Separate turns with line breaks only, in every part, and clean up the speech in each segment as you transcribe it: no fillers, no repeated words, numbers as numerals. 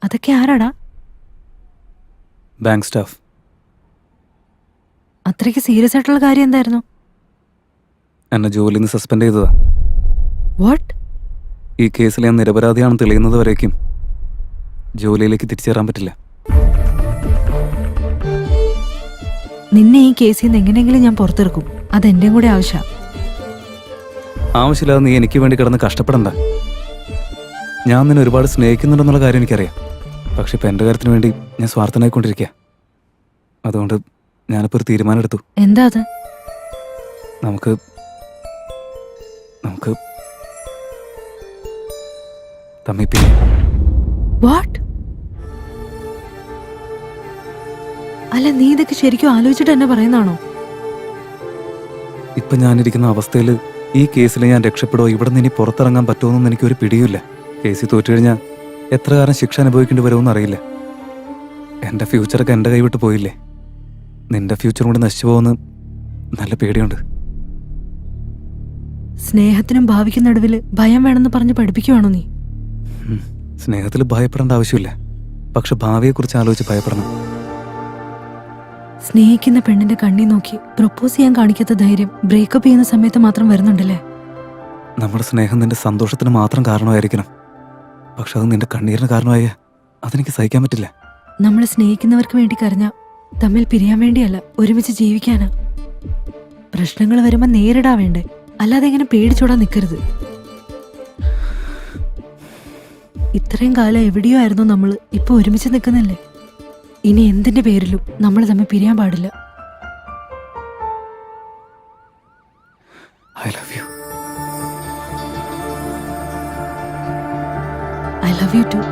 അതൊക്കെ ആരാടാ?
Bank staff.
അത്രയ്ക്ക് സീരിയസ് ആയിട്ടുള്ള കാര്യം എന്തായിരുന്നു?
എന്നെ ജോലിയിൽ നിന്ന് സസ്പെൻഡ് ചെയ്തതാ.
വാട്ട്?
ഈ കേസിൽ ഞാൻ നിരപരാധിയാണെന്ന് തെളിയുന്നത് വരേക്കും ജോലിയിലേക്ക് തിരിച്ചേറാൻ പറ്റില്ല.
നിന്നെ ഈ കേസിൽ നിന്ന് എങ്ങനെയെങ്കിലും ഞാൻ പുറത്തിറക്കും. അതെന്റെയും കൂടെ
ആവശ്യമില്ലാതെ നീ എനിക്ക് വേണ്ടി കിടന്ന് കഷ്ടപ്പെടണ്ട. ഞാൻ നിന്നെ ഒരുപാട് സ്നേഹിക്കുന്നുണ്ടെന്നുള്ള കാര്യം എനിക്കറിയാം. പക്ഷെ ഇപ്പം എൻ്റെ കാര്യത്തിന് വേണ്ടി ഞാൻ സ്വാർത്ഥനായിക്കൊണ്ടിരിക്കുക. അതുകൊണ്ട് ഞാനിപ്പോൾ ഒരു തീരുമാനം എടുത്തു.
എന്താ അത്?
നമുക്ക് നമുക്ക് തമ്മിൽ പിരിയാം.
വാട്ട്? അല്ല, നീ ഇതൊക്കെ ശരിക്കും ആലോചിച്ചിട്ട് എന്നെ പറയുന്നതാണോ?
ഇപ്പം ഞാനിരിക്കുന്ന അവസ്ഥയിൽ ഈ കേസിൽ ഞാൻ രക്ഷപ്പെടുമോ, ഇവിടെ നിന്ന് ഇനി പുറത്തിറങ്ങാൻ പറ്റുമോയെന്നൊന്നും എനിക്കൊരു പിടിയുമില്ല. കേസിൽ തോറ്റു കഴിഞ്ഞാൽ എത്ര കാലം ശിക്ഷ അനുഭവിക്കേണ്ടി വരുമെന്ന് അറിയില്ല. എൻ്റെ ഫ്യൂച്ചറൊക്കെ എൻ്റെ കൈവിട്ട് പോയില്ലേ. നിന്റെ ഫ്യൂച്ചറും കൂടി നശിച്ചു പോകുമെന്ന് നല്ല പേടിയുണ്ട്.
സ്നേഹത്തിനും ഭാവിക്കും നടുവിൽ ഭയം വേണമെന്ന് പറഞ്ഞ് പഠിപ്പിക്കുവാണോ നീ?
സ്നേഹത്തിൽ ഭയപ്പെടേണ്ട ആവശ്യമില്ല, പക്ഷെ ഭാവിയെക്കുറിച്ച് ആലോചിച്ച് ഭയപ്പെടണം.
സ്നേഹിക്കുന്ന പെണ്ണിന്റെ കണ്ണി നോക്കി പ്രപ്പോസ് ചെയ്യാൻ കാണിക്കാത്ത ധൈര്യം ബ്രേക്കപ്പ് ചെയ്യുന്ന സമയത്ത് മാത്രം വരുന്നുണ്ടല്ലേ?
നമ്മുടെ സ്നേഹം നിന്റെ സന്തോഷത്തിന് മാത്രം കാരണമായിരിക്കണം. പക്ഷെ അത് നിന്റെ കണ്ണീരിന് കാരണമായ അതെനിക്ക് സഹിക്കാൻ പറ്റില്ല.
നമ്മൾ സ്നേഹിക്കുന്നവർക്ക് വേണ്ടി കരഞ്ഞ തമ്മിൽ പിരിയാൻ വേണ്ടിയല്ല, ഒരുമിച്ച് ജീവിക്കാനാ. പ്രശ്നങ്ങൾ വരുമ്പോ നേരിടാ വേണ്ടേ, അല്ലാതെ ഇങ്ങനെ പേടിച്ചോടാൻ നിൽക്കരുത്. ഇത്രയും കാലം എവിടെയോ ആയിരുന്നു നമ്മൾ, ഇപ്പൊ ഒരുമിച്ച് നിൽക്കുന്നില്ലേ? ഇനി എന്തിന്റെ പേരിലും നമ്മൾ തമ്മിൽ പിരിയാൻ പാടില്ല.
I love you.
I love you too.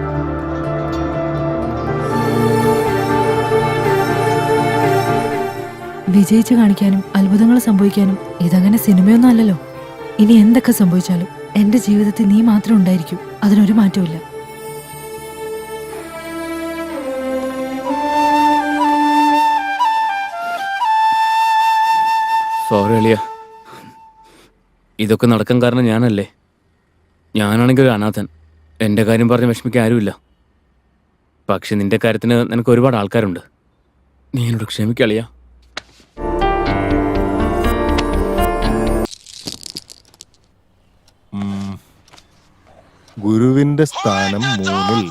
വിജയിച്ചു കാണിക്കാനും അത്ഭുതങ്ങൾ സംഭവിക്കാനും ഇതങ്ങനെ സിനിമയൊന്നും അല്ലല്ലോ. ഇനി എന്തൊക്കെ സംഭവിച്ചാലും എന്റെ ജീവിതത്തിൽ നീ മാത്രം ഉണ്ടായിരിക്കും, അതിനൊരു മാറ്റമില്ല.
സോറി അളിയ, ഇതൊക്കെ നടക്കാൻ കാരണം ഞാനല്ലേ. ഞാനാണെങ്കിൽ ഒരു അനാഥൻ. എൻ്റെ കാര്യം പറഞ്ഞ് വിഷമിക്കാൻ ആരുമില്ല. പക്ഷെ നിന്റെ കാര്യത്തിന് നിനക്ക് ഒരുപാട് ആൾക്കാരുണ്ട്. നീ എന്നോട് ക്ഷമിക്കളിയ.
ഗുരുവിന്റെ സ്ഥാനം 3-ൽ.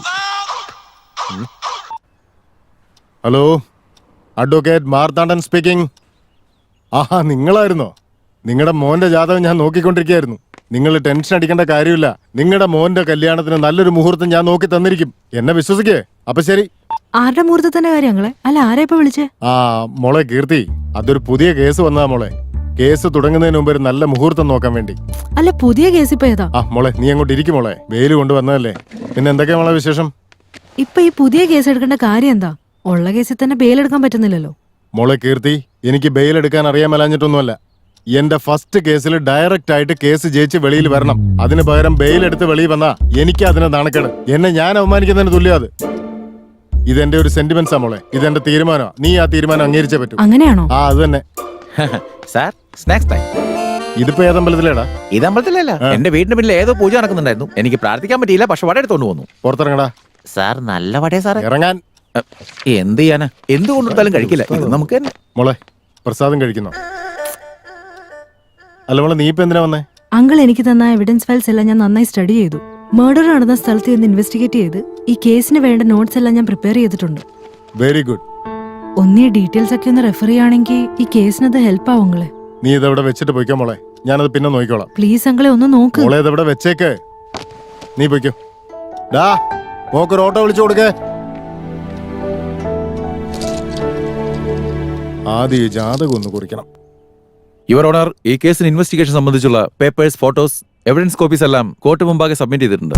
Hello, advocate Marthandan speaking. ആഹാ, നിങ്ങളായിരുന്നോ? നിങ്ങളുടെ മോന്റെ ജാതകം ഞാൻ നോക്കിക്കൊണ്ടിരിക്കുകയായിരുന്നു. നിങ്ങൾ ടെൻഷൻ അടിക്കേണ്ട കാര്യമില്ല. നിങ്ങളുടെ മോന്റെ കല്യാണത്തിന് നല്ലൊരു മുഹൂർത്തം ഞാൻ നോക്കി തന്നിരിക്കും. എന്നെ വിശ്വസിക്കേ. അപ്പൊ ശരി.
ആരുടെ മുഹൂർത്തത്തിന്റെ കാര്യങ്ങളെ? അല്ല, ആരാ ഇപ്പൊ വിളിച്ചേ?
മോളെ കീർത്തി, അതൊരു പുതിയ കേസ് വന്നതാ മോളെ. കേസ് തുടങ്ങുന്നതിന് മുമ്പ് ഒരു നല്ല മുഹൂർത്തം നോക്കാൻ വേണ്ടി.
അല്ല, പുതിയ കേസ് ഇപ്പൊ ഏതാ?
മോളെ നീ അങ്ങോട്ട് ഇരിക്കും മോളെ. വെയിൽ കൊണ്ടുവന്നതല്ലേ. പിന്നെ എന്തൊക്കെയാ മോളെ വിശേഷം?
ഇപ്പൊ ഈ പുതിയ കേസ് എടുക്കേണ്ട കാര്യം എന്താ? ഉള്ള കേസിൽ തന്നെ ബെയിലെടുക്കാൻ പറ്റുന്നില്ലല്ലോ.
മോളെ കീർത്തി, എനിക്ക് ബെയിൽ എടുക്കാൻ അറിയാൻ മേലാഞ്ഞിട്ടൊന്നുമല്ല. എന്റെ ഫസ്റ്റ് കേസിൽ ഡയറക്റ്റ് ആയിട്ട് കേസ് ജയിച്ച് വെളിയിൽ വരണം. അതിന് പകരം ബെയിൽ എടുത്ത് വെളിയിൽ വന്നാ എനിക്ക് അതിന് നാണക്കേട്. എന്നെ ഞാൻ അവമാനിക്കുന്നതിന് തുല്യം അത്. ഇതെന്റെ ഒരു സെന്റിമെന്റ്സാ മോളെ. ഇതെന്റെ തീരുമാനമാണ്. നീ ആ തീരുമാനം അംഗീകരിച്ചേ പറ്റൂ.
അങ്ങനെയാണോ?
അത് തന്നെ.
Sir, snacks time.
ഇതിപ്പോ ഏതമ്പലത്തിലേടാ?
ഇതമ്പലത്തിലല്ല, എന്റെ വീടിന്റെ പിന്നിൽ ഏതോ പൂജ നടക്കുന്നുണ്ടായിരുന്നു. എനിക്ക് പ്രാർത്ഥിക്കാൻ പറ്റിയില്ല, പക്ഷെ വട എടുത്തോണ്ട് പോന്നു.
പുറത്തിറങ്ങടാ.
സാർ, നല്ല വടയാ സാറേ.
ഇറങ്ങാൻ.
എന്ത് ചെയ്യാനാ? എന്ത് കൊണ്ടുകൊടുത്താലും കഴിക്കില്ല. ഇത് നമുക്ക് തന്നെ.
മോളെ, പ്രസാദം കഴിക്കുന്നോ? അല്ല മോളെ, നീ ഇപ്പൊ എന്തിനാ വന്നേ?
അങ്കിൾ എനിക്ക് തന്ന എവിഡൻസ് ഫയൽസ് എല്ലാം ഞാൻ നന്നായി സ്റ്റഡി ചെയ്തു. മർഡർ നടന്ന സ്ഥലത്ത് നിന്ന് ഇൻവെസ്റ്റിഗേറ്റ് ചെയ്ത് ഈ കേസിന് വേണ്ട നോട്ട്സ് എല്ലാം ഞാൻ പ്രിപ്പയർ ചെയ്തിട്ടുണ്ട്.
Very good.
ഒന്നീ ഡീറ്റെയിൽസ് ഒക്കെ ഒന്ന് റെഫർ ചെയ്യുകയാണെങ്കിൽ ഈ കേസിനത് ഹെൽപ്പ് ആവുങ്ങളെ.
നീ ഇതെവിടെ വെച്ചിട്ട് പോയിക്കോ മോളെ. ഞാനത് പിന്നെ നോക്കിക്കോളാം.
പ്ലീസ് അങ്കിളെ ഒന്ന് നോക്ക്.
മോളെ ഇതെവിടെ വെച്ചേക്ക്. നീ പോയിക്കോ. ഡാ, മോക്കൊരു ഓട്ടോ വിളിച്ചു കൊടുക്കേ. ആദ്യം ഈ ജാതകം ഒന്ന് കുറിക്കണം.
യുവർ ഓണർ, ഈ കേസിന് ഇൻവെസ്റ്റിഗേഷൻ സംബന്ധിച്ചുള്ള പേപ്പേഴ്സ്, ഫോട്ടോസ്, എവിഡൻസ് കോപ്പീസ് എല്ലാം കോർട്ട് മുമ്പാകെ സബ്മിറ്റ് ചെയ്തിട്ടുണ്ട്.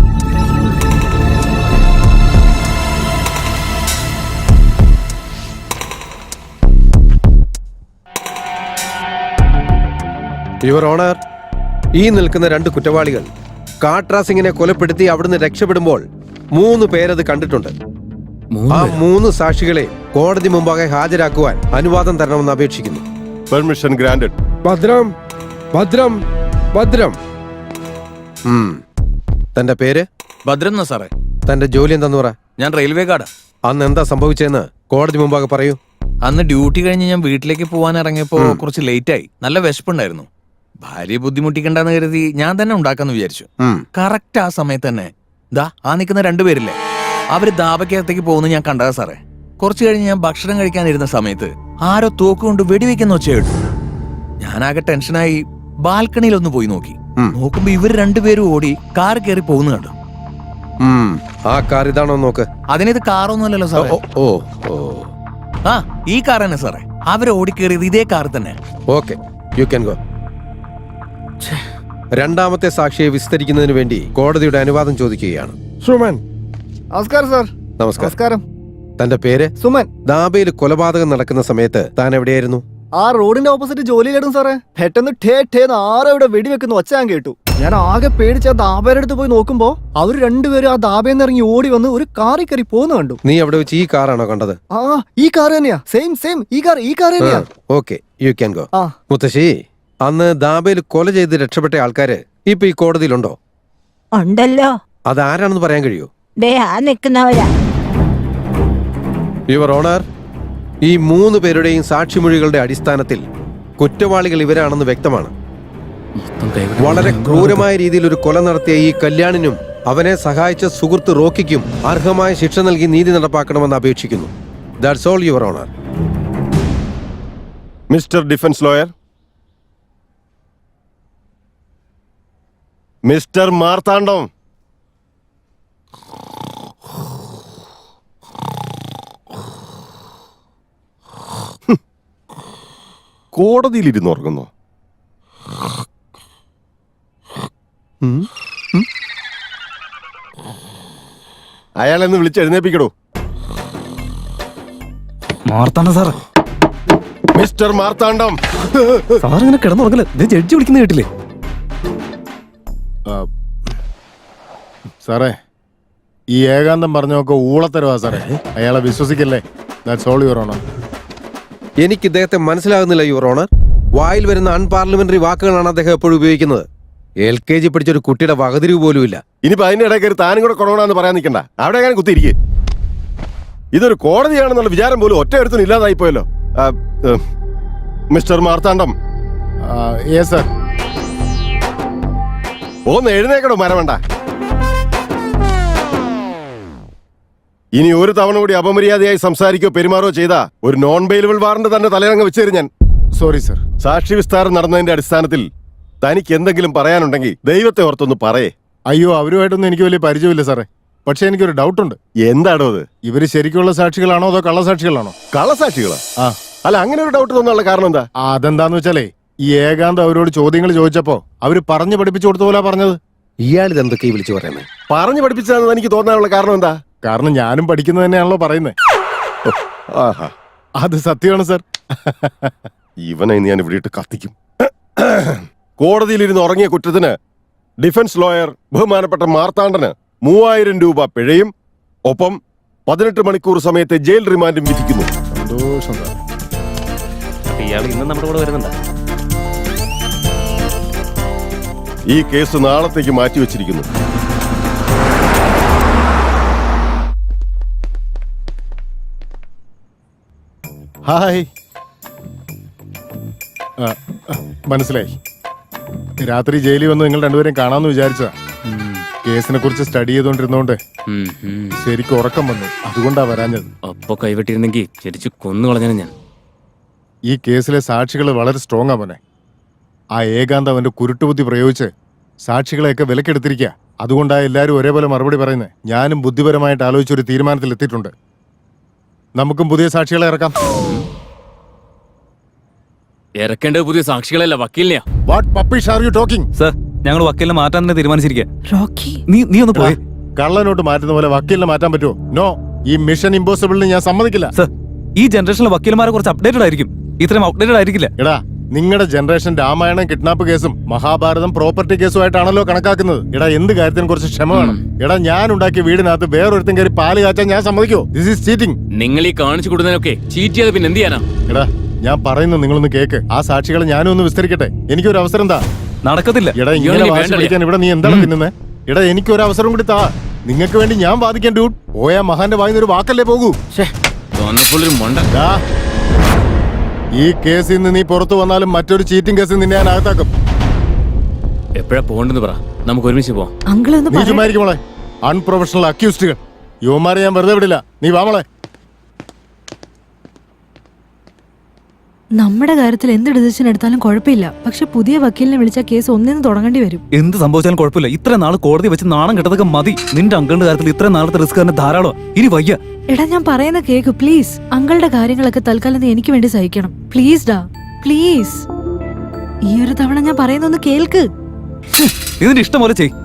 യുവർ ഓണർ, ഈ നിൽക്കുന്ന 2 കുറ്റവാളികൾ കാട്രാ സിംഗിനെ കൊലപ്പെടുത്തി അവിടുന്ന് രക്ഷപ്പെടുമ്പോൾ 3 പേരത് കണ്ടിട്ടുണ്ട്. ആ 3 സാക്ഷികളെ കോടതി മുമ്പാകെ ഹാജരാക്കുവാൻ അനുവാദം തരണമെന്ന് അപേക്ഷിക്കുന്നു.
Permission granted.
ഭദ്രം, ഭദ്രം, ഭദ്രം. തന്റെ പേര്?
ഭദ്രം എന്നാ സാറേ.
തന്റെ ജോലി എന്താന്ന് പറ.
ഞാൻ റെയിൽവേ ഗാർഡാ.
അന്ന് എന്താ സംഭവിച്ചതെന്ന് കോടതി മുമ്പാകെ പറയൂ.
അന്ന് ഡ്യൂട്ടി കഴിഞ്ഞ് ഞാൻ വീട്ടിലേക്ക് പോകാൻ ഇറങ്ങിയപ്പോ കുറച്ച് ലേറ്റായി. നല്ല വിശപ്പുണ്ടായിരുന്നു. ഭാര്യയെ ബുദ്ധിമുട്ടിക്കണ്ടെന്ന് കരുതി ഞാൻ തന്നെ ഉണ്ടാക്കാന്ന് വിചാരിച്ചു. കറക്റ്റ് ആ സമയത്ത് തന്നെ ദാ ആ നിൽക്കുന്ന രണ്ടുപേരില്ലേ, അവര് ദാബക്കകത്തേക്ക് പോകുന്നത് ഞാൻ കണ്ടതാ സാറേ. കുറച്ചു കഴിഞ്ഞ് ഞാൻ ഭക്ഷണം കഴിക്കാനിരുന്ന സമയത്ത് ആരോ തോക്കുകൊണ്ട് വെടിവെക്കുന്ന ഒച്ച കേട്ടു. ഞാനാകെ ടെൻഷനായി ബാൽക്കണിയിൽ ഒന്ന് പോയി നോക്കി. നോക്കുമ്പോ ഇവര് രണ്ടുപേരും ഓടി കാർ കയറി പോകുന്ന കണ്ടു.
ആ കാർ ഇതാണോ നോക്ക്.
അതിനിത് കാറൊന്നുമല്ലല്ലോ സാറേ.
ഓ ഓ
ആ ഈ കാർ തന്നെ സാറേ. അവര് ഓടിക്കേറിയത് ഇതേ കാർ തന്നെ.
Okay, you can go. രണ്ടാമത്തെ സാക്ഷിയെ വിസ്തരിക്കുന്നതിന് വേണ്ടി കോടതിയുടെ അനുവാദം ചോദിക്കുകയാണ്.
സുമൻ. നമസ്കാരം സാർ.
നമസ്കാരം. തന്റെ പേര്?
സുമൻ.
ദാബയിൽ കൊലപാതകം നടക്കുന്ന സമയത്ത് താൻ എവിടെയായിരുന്നു?
ആ റോഡിന്റെ ഓപ്പോസിറ്റ് ജോലിയിലിടും സാറേ. പെട്ടെന്ന് ഠേന്ന് ആരോ ഇവിടെ വെടിവെക്കുന്ന ഒച്ച ഞാൻ കേട്ടു. ഞാൻ ആകെ പേടിച്ച് ആ ദാബയുടെ അടുത്ത് പോയി നോക്കുമ്പോ അവർ രണ്ടുപേരും ആ ദാബയിൽ നിന്ന് ഇറങ്ങി ഓടി വന്ന് ഒരു കാറിൽ കയറി പോകുന്ന കണ്ടു.
നീ അവിടെ വെച്ച് ഈ കാറാണോ കണ്ടത്?
ആ ഈ കാർ തന്നെയാ. സെയിം ഈ കാർ തന്നെയാ.
Okay, you can go.
ആ
മുത്തശ്ശി, അന്ന് ദാബയിൽ കൊല ചെയ്ത് രക്ഷപ്പെട്ട ആൾക്കാര് ഇപ്പൊ ഈ കോടതിയിലുണ്ടോ?
ഉണ്ടല്ലോ.
അതാരാണെന്ന് പറയാൻ കഴിയൂ?
ദേ ആ നിൽക്കുന്നവരാ.
യുവർ ഓണർ, ഈ 3 പേരുടെയും സാക്ഷിമൊഴികളുടെ അടിസ്ഥാനത്തിൽ കുറ്റവാളികൾ ഇവരാണെന്ന് വ്യക്തമാണ്. വളരെ ക്രൂരമായ രീതിയിൽ ഒരു കൊല നടത്തിയ ഈ കല്യാണിനും അവനെ സഹായിച്ച സുഹൃത്ത് റോക്കിക്കും അർഹമായ ശിക്ഷ നൽകി നീതി നടപ്പാക്കണമെന്ന് അപേക്ഷിക്കുന്നു. That's all your honour.
Mister defence lawyer, mister Marthandam, കോടതിയിലിരുന്ന് ഉറങ്ങുന്നു. അയാളെന്ന് വിളിച്ച് എഴുന്നേപ്പിക്കടോ.
Marthandam sir.
Mister Marthandam.
Sir ഇങ്ങനെ കിടന്നുറങ്ങല്. ജഡ്ജി വിളിക്കുന്ന കേട്ടില്ലേ?
സാറേ, ഈ ഏകാന്തം പറഞ്ഞൊക്കെ ഊളത്തരവാ സാറേ. അയാളെ വിശ്വസിക്കല്ലേ. That's all your honour.
എനിക്ക് ഇദ്ദേഹത്തെ മനസ്സിലാകുന്നില്ല യുവർ ഓണർ. വായിൽ വരുന്ന അൺപാർലമെന്ററി വാക്കുകളാണ് അദ്ദേഹം എപ്പോഴും ഉപയോഗിക്കുന്നത്. LKG പഠിച്ചൊരു കുട്ടിയുടെ വകതിരിവ് പോലുമില്ല.
ഇനിയിപ്പോ അതിന്റെ ഇടയിൽ കയറി താനും കൂടെ കൊണോണെന്ന് പറയാൻ നിൽക്കണ്ട. അവിടെ ഞാൻ കുത്തിയിരിക്കേ. ഇതൊരു കോടതിയാണെന്നുള്ള വിചാരം പോലും ഒറ്റ ഒരുത്തിനും ഇല്ലാതായി പോയല്ലോ. മിസ്റ്റർ മാർത്താണ്ഡം. സർ, ഒന്ന് എഴുന്നേക്കടോ മരവേണ്ട. ഇനി ഒരു തവണ കൂടി അപമര്യാദയായി സംസാരിക്കോ പെരുമാറോ ചെയ്താ ഒരു നോൺ ബെയിലബിൾ വാറണ്ട് തന്നെ തലയിറങ്ങ് വെച്ചേരും ഞാൻ. Sorry sir. സാക്ഷി വിസ്താരം നടന്നതിന്റെ അടിസ്ഥാനത്തിൽ തനിക്ക് എന്തെങ്കിലും പറയാനുണ്ടെങ്കിൽ ദൈവത്തെ ഓർത്തൊന്ന് പറയേ. അയ്യോ, അവരുമായിട്ടൊന്നും എനിക്ക് വലിയ പരിചയമില്ല സാറേ. പക്ഷെ എനിക്കൊരു ഡൗട്ടുണ്ട്. എന്താണോ അത്? ഇവര് ശരിക്കുള്ള സാക്ഷികളാണോ അതോ കള്ളസാക്ഷികളാണോ? കള്ളസാക്ഷികളാ? ആ. അല്ല, അങ്ങനെ ഒരു ഡൗട്ട് തോന്നാനുള്ള കാരണം എന്താ? അതെന്താന്ന് വെച്ചാലേ, ഈ ഏകാന്ത് അവരോട് ചോദ്യങ്ങൾ ചോദിച്ചപ്പോ അവര് പറഞ്ഞു പഠിപ്പിച്ചു കൊടുത്ത പോലെ പറഞ്ഞത്.
ഇയാൾ ഇതെന്തൊക്കെ വിളിച്ചു പറയുന്നത്?
പറഞ്ഞു പഠിപ്പിച്ചതെന്ന് എനിക്ക് തോന്നാനുള്ള കാരണം എന്താ? കാരണം ഞാനും പഠിക്കുന്നത് തന്നെയാണല്ലോ പറയുന്നത്. അത് സത്യമാണ് സർ. ഇവനെ ഞാൻ ഇവിടെ ഇട്ട് കത്തിക്കും. കോടതിയിലിരുന്ന് ഉറങ്ങിയ കുറ്റത്തിന് ഡിഫൻസ് ലോയർ ബഹുമാനപ്പെട്ട മാർത്താണ്ഡന് 3000 രൂപ പിഴയും ഒപ്പം 18 മണിക്കൂർ സമയത്തെ ജയിൽ റിമാൻഡും വിധിക്കുന്നു. സന്തോഷം സാർ.
ഇയാൾ ഇന്നും നമ്മുടെ കൂടെ വരുന്നുണ്ട്.
ഈ കേസ് നാളത്തേക്ക് മാറ്റിവെച്ചിരിക്കുന്നു. ഹായ്. മനസ്സിലായി. രാത്രി ജയിലിൽ വന്ന് നിങ്ങൾ രണ്ടുപേരെയും കാണാമെന്ന് വിചാരിച്ചതാ. കേസിനെ കുറിച്ച് സ്റ്റഡി ചെയ്തോണ്ടിരുന്നോണ്ട് ശരിക്കും ഉറക്കം വന്നു. അതുകൊണ്ടാ വരാഞ്ഞത്.
അപ്പൊ കൈവെട്ടിയിരുന്നെങ്കിൽ ശരിച്ചു കൊന്നു കളഞ്ഞാണ് ഞാൻ.
ഈ കേസിലെ സാക്ഷികൾ വളരെ സ്ട്രോങ് ആവനെ. ആ ഏകാന്ത് അവന്റെ കുരുട്ടുബുദ്ധി പ്രയോഗിച്ച് സാക്ഷികളെയൊക്കെ വിലക്കെടുത്തിരിക്കുക. അതുകൊണ്ടാ എല്ലാവരും ഒരേപോലെ മറുപടി പറയുന്നത്. ഞാനും ബുദ്ധിപരമായിട്ട് ആലോചിച്ചൊരു തീരുമാനത്തിൽ എത്തിയിട്ടുണ്ട്. നമുക്കും പുതിയ സാക്ഷികളെ ഇറക്കാം.
ഇറക്കേണ്ടത് പുതിയ സാക്ഷികളല്ല, വക്കീലിനെയാ.
What rubbish are you talking?
Sir, ഞങ്ങൾ വക്കീലിനെ മാറ്റാൻ തന്നെ തീരുമാനിച്ചിരിക്കുക.
റോക്കി,
നീ ഒന്ന് പോയി.
കള്ളനോട്ട് മാറ്റുന്ന പോലെ വക്കീലിനെ മാറ്റാൻ പറ്റുമോ? നോ. ഈ മിഷൻ ഇമ്പോസിബിളിന് ഞാൻ സമ്മതിക്കില്ല.
സർ, ഈ ജനറേഷനിലെ വക്കീലന്മാരെ കുറച്ച് അപ്ഡേറ്റഡ് ആയിരിക്കും. ഇത്രയും ഔട്ട്ഡേറ്റഡ് ആയിരിക്കില്ല.
എടാ, നിങ്ങളുടെ ജനറേഷൻ രാമായണം കിഡ്നാപ്പ് കേസും മഹാഭാരതം പ്രോപ്പർട്ടി കേസുമായിട്ടാണല്ലോ കണക്കാക്കുന്നത്. എടാ, എന്ത് കാര്യത്തിനും കുറച്ച് ക്ഷമ വേണം. എടാ, ഞാൻ ഉണ്ടാക്കിയ വീടിനകത്ത് വേറൊരുത്തും കയറി പാല് കാച്ചാൻ ഞാൻ സമ്മതിക്കോ? This is cheating.
നിങ്ങൾ ഈ കാണിച്ചു കൊടുക്കുന്നതിനൊക്കെ ചീറ്റ് ചെയ്ത് പിന്നെ എന്ത് ചെയ്യാനാ?
എടാ, ഞാൻ പറയുന്നു, നിങ്ങളൊന്ന് കേക്ക്. ആ സാക്ഷികളെ ഞാനും ഒന്ന് വിസ്തരിക്കട്ടെ. എനിക്കൊരു അവസരം താ.
നടക്കത്തില്ല.
എടാ, ഇങ്ങനെ വാശി പിടിക്കാൻ ഇവിടെ നീ എന്താണ് തിന്നുന്നത്? എടാ, എനിക്കൊരു അവസരം കൂടി താ. നിങ്ങൾക്ക് വേണ്ടി ഞാൻ വാദിക്കാൻ ഡ്യൂട്ട് പോയാ മഹാന്റെ വായിന്ന് ഒരു വാക്കല്ലേ പോകൂ.
തോന്നപ്പോഴൊരു മൊണ്ട.
ദാ, ഈ കേസിൽ നിന്ന് നീ പുറത്തു വന്നാലും മറ്റൊരു ചീറ്റിംഗ് കേസിൽ നിന്നെ ഞാൻ അകത്താക്കും.
എപ്പോഴാ പോകണ്ടെന്ന് പറ, നമുക്ക് ഒരുമിച്ച് പോവാം.
അങ്കിളൊന്ന്
നീ ചുമ്മായിരിക്കും മോളെ. അൺപ്രൊഫഷണൽ അക്യൂസ്ഡുകൾ, യുവമാരെ ഞാൻ വെറുതെ വിടില്ല. നീ വാ മോളെ.
നമ്മുടെ കാര്യത്തിൽ എന്ത് ഡിസിഷൻ എടുത്താലും കുഴപ്പമില്ല, പക്ഷെ പുതിയ വക്കീലിനെ വിളിച്ചാൽ കേസ് ഒന്നിന്ന് തുടങ്ങേണ്ടി വരും.
എന്ത് സംഭവിച്ചാലും കുഴപ്പമില്ല. ഇത്ര നാൾ കോടതി വെച്ച് നാണം കെട്ടതൊക്കെ മതി. നിന്റെ അങ്കിളിന്റെ കാര്യത്തിൽ ഇത്ര നാളത്തെ റിസ്ക് തന്നെ ധാരാളം. ഇനി വയ്യ.
എടാ ഞാൻ പറയുന്ന കേക്ക് പ്ലീസ്. അങ്കിളുടെ കാര്യങ്ങളൊക്കെ തൽക്കാലം നീ എനിക്ക് വേണ്ടി സഹിക്കണം. പ്ലീസ് ഡാ, പ്ലീസ്. ഈ ഒരു തവണ ഞാൻ പറയുന്നൊന്ന് കേൾക്ക്.
ഇതിന്റെ ഇഷ്ടം പോലെ ചെയ്.